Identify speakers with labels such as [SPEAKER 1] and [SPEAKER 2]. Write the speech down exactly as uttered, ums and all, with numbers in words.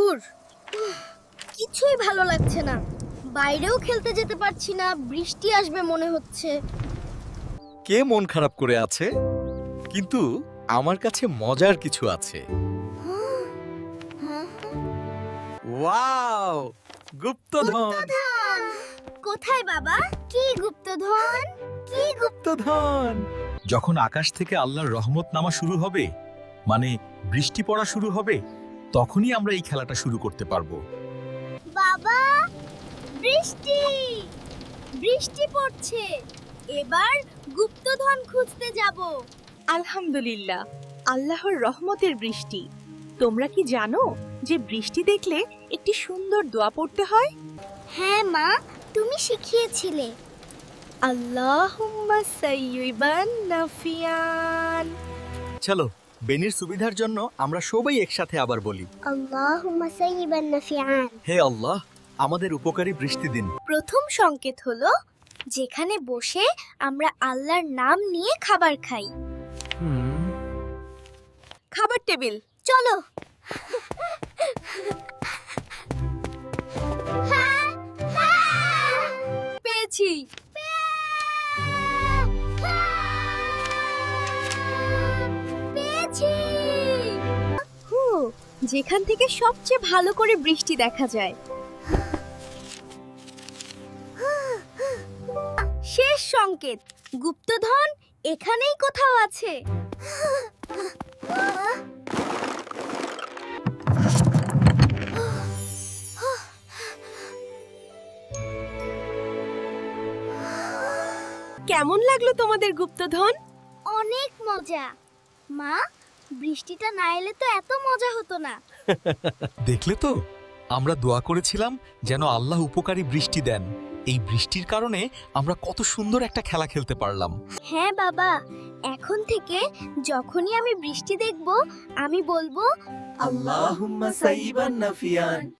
[SPEAKER 1] ধুর, কিছুই ভালো লাগছে না। বাইরেও খেলতে যেতে পারছি না, বৃষ্টি আসবে মনে হচ্ছে।
[SPEAKER 2] কে মন খারাপ করে আছে? কিন্তু আমার কাছে মজার কিছু আছে। ওয়াও, গুপ্তধন!
[SPEAKER 1] কোথায় বাবা? কি গুপ্তধন? কি
[SPEAKER 2] গুপ্তধন! যখন আকাশ থেকে আল্লাহর রহমত নামা শুরু হবে, মানে বৃষ্টি পড়া শুরু হবে, তখনই আমরা এই খেলাটা শুরু করতে পারবো।
[SPEAKER 1] বাবা, বৃষ্টি বৃষ্টি পড়ছে। এবার গুপ্তধন খুঁজতে যাব।
[SPEAKER 3] আলহামদুলিল্লাহ, আল্লাহর রহমতের বৃষ্টি। তোমরা কি জানো যে বৃষ্টি দেখলে একটি সুন্দর দোয়া পড়তে হয়?
[SPEAKER 1] হ্যাঁ মা, তুমি শিখিয়েছিলে।
[SPEAKER 3] আল্লাহুম্মা সাইয়্যিবান নাফিয়ান।
[SPEAKER 2] চলো, বেনির সুবিধার জন্য আমরা সবাই একসাথে আবার বলি,
[SPEAKER 1] আল্লাহুম্মা সাইয়্যিবান নাফিআন।
[SPEAKER 2] হে আল্লাহ, আমাদের উপকারী বৃষ্টি দিন।
[SPEAKER 1] প্রথম সংকেত হলো যেখানে বসে আমরা আল্লাহর নাম নিয়ে খাবার খাই।
[SPEAKER 3] খাবার টেবিল।
[SPEAKER 1] চলো।
[SPEAKER 3] পেয়েছি।
[SPEAKER 1] পেয়েছি।
[SPEAKER 3] হু, যেখান থেকে সবচেয়ে ভালো করে বৃষ্টি দেখা যায়।
[SPEAKER 1] শেষ সংকেত, গুপ্তধন এখানেই কোথাও আছে।
[SPEAKER 3] কেমন লাগলো তোমাদের গুপ্তধন?
[SPEAKER 1] অনেক মজা। মা, বৃষ্টিটা না এলে তো এত মজা হতো না।
[SPEAKER 2] দেখলে তো, আমরা দোয়া করেছিলাম যেন আল্লাহ উপকারী বৃষ্টি দেন। এই বৃষ্টির কারণে আমরা কত সুন্দর একটা খেলা খেলতে পারলাম।
[SPEAKER 1] হ্যাঁ বাবা, এখন থেকে যখনই আমি বৃষ্টি দেখব, আমি বলবো
[SPEAKER 4] আল্লাহুম্মা সাইয়্যিবান নাফিয়ান।